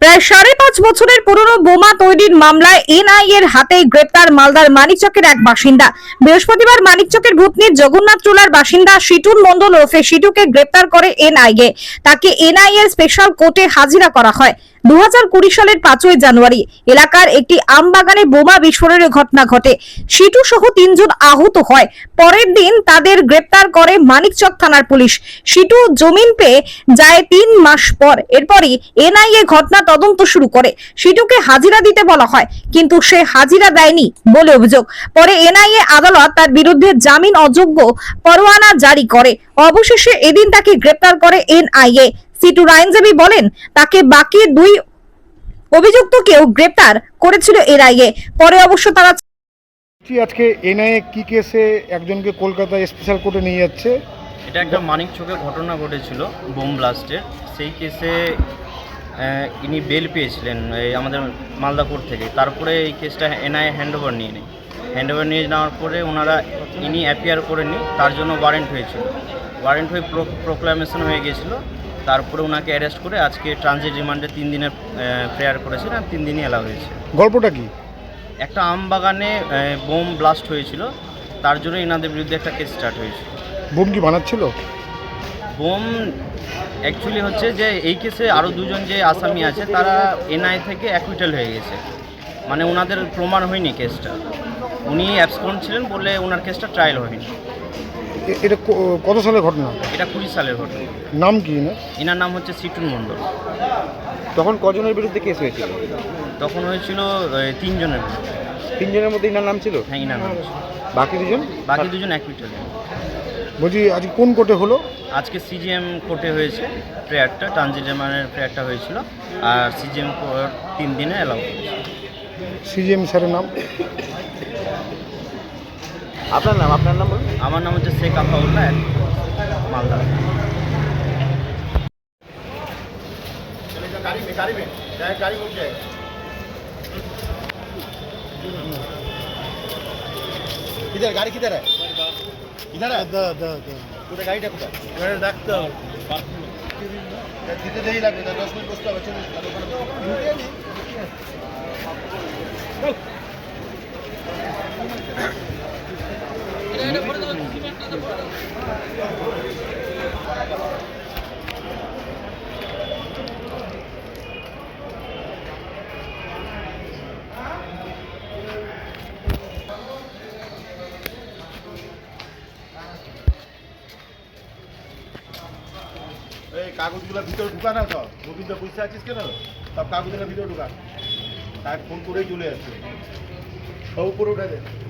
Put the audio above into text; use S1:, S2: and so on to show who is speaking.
S1: প্রায় ৫.৫ বছরের পুরনো বোমা তৈরির মামলায় এনআইএর হাতে গ্রেপ্তার মালদার মানিকচকের এক বাসিন্দা। বৃহস্পতিবার মানিকচকের ভূতনির জগন্নাথ চুলার বাসিন্দা শিটুন মণ্ডল ওরফে শিটুকে গ্রেপ্তার করে এনআইএ। তাকে এনআইএর স্পেশাল কোর্টে হাজিরা করা হয়। 2020 সালের 5ই জানুয়ারি এলাকার একটি আমবাগানে বোমা বিস্ফোরণের ঘটনা ঘটে। শিটু সহ 3 জন আহত হয়। পরের দিন তাদের গ্রেপ্তার করে মানিকচক থানার পুলিশ। শিটু জামিন পেয়ে যায় 3 মাস পর। এরপরই এনআইএ ঘটনা তদন্ত শুরু করে। শিটুকে হাজিরা দিতে বলা হয়, কিন্তু সে হাজিরা দেয়নি বলে অভিযোগ। পরে এনআইএ আদালত তার বিরুদ্ধে জামিন অযোগ্য পরোয়ানা জারি করে। অবশেষে এদিন তাকে গ্রেপ্তার করে এনআইএ। শিটুর আইনজীবী বলেন, তাকে বাকি 2 অভিযুক্তকেও গ্রেপ্তার করেছিল এনআইএ। পরে অবশ্য তারা
S2: আজকে এনআইএ কি কেসে একজনকে কলকাতা স্পেশাল কোর্টে নিয়ে যাচ্ছে?
S3: এটা একটা মানিকচকে ঘটনা ঘটেছিল বোম ব্লাস্টের। সেই কেসে ইনি বেল পেয়েছিলেন আমাদের মালদা কোর্ট থেকে। তারপরে এই কেসটা এনআইএ হ্যান্ডওভার নিয়ে নেয়। হ্যান্ডওভার নিয়ে নেওয়ার পরে ওনারা ইনি অ্যাপিয়ার করেননি, তার জন্য ওয়ারেন্ট হয়েছিল। ওয়ারেন্ট হয়ে প্রোক্লামেশন হয়ে গিয়েছিল। তারপরে ওনাকে অ্যারেস্ট করে আজকে ট্রানজিট রিমান্ডে 3 দিনের প্রেয়ার করেছেন আর 3 দিনই অ্যালাউ হয়েছে।
S2: গল্পটা কি?
S3: একটা আমবাগানে বোম ব্লাস্ট হয়েছিল, তার জন্য এনাদের বিরুদ্ধে একটা কেস স্টার্ট হয়েছিল।
S2: বোম কি বানাচ্ছিল?
S3: বোম অ্যাকচুয়ালি হচ্ছে যে এই কেসে আরও 2 জন যে আসামি আছে তারা এনআই থেকে অ্যাকুইটাল হয়ে গেছে, মানে ওনাদের প্রমাণ হয়নি কেসটা। উনি অ্যাবসকন্ড ছিলেন বলে ওনার কেসটা ট্রায়াল হয়নি।
S2: এটা কত সালের ঘটনা?
S3: এটা 20 সালের ঘটনা।
S2: নাম কি?
S3: এনার নাম হচ্ছে শিটুন মণ্ডল।
S4: তখন কজনের বিরুদ্ধে কেস হয়েছিল?
S3: তখন হয়েছিল 3 জনের বিরুদ্ধে।
S4: 3 জনের মধ্যে ইনার নাম ছিল?
S3: হ্যাঁ, এনার নাম ছিল।
S4: বাকি 2 জন?
S3: বাকি 2 জন অ্যাকুইটাল।
S2: বলছি আজকে কোন কোর্টে হলো?
S3: আজকে সিজিএম কোর্টে হয়েছে প্রেয়ারটা, ট্রানজিট রিমান্ডের প্রেয়ারটা হয়েছিল। আর সিজিএম কোর্ট 3 দিনে অ্যালাউ করেছে।
S2: সিজিএম স্যারের নাম?
S4: আপনার নাম বলুন।
S3: আমার নাম হচ্ছে শেখ আফাউল্লাহ, মালদা।
S4: किधर गाड़ी किधर है? इधर है? पूरा गाड़ी टा कोথায়? গাড়ি রাখতে হবে। দিতে দেরি লাগবে, 10 মিনিট বসতে হবে। চলুন। এটা করে দাও, সিমেন্টটা দাও। এই কাগজগুলো ভিতরে ঢুকা না, সব গোবিন্দ বুঝতে আছিস কেন? সব কাগজগুলো ভিতরে ঢুকা, তাই ফোন করেই চলে আসছে। সব উপরে উঠে দে।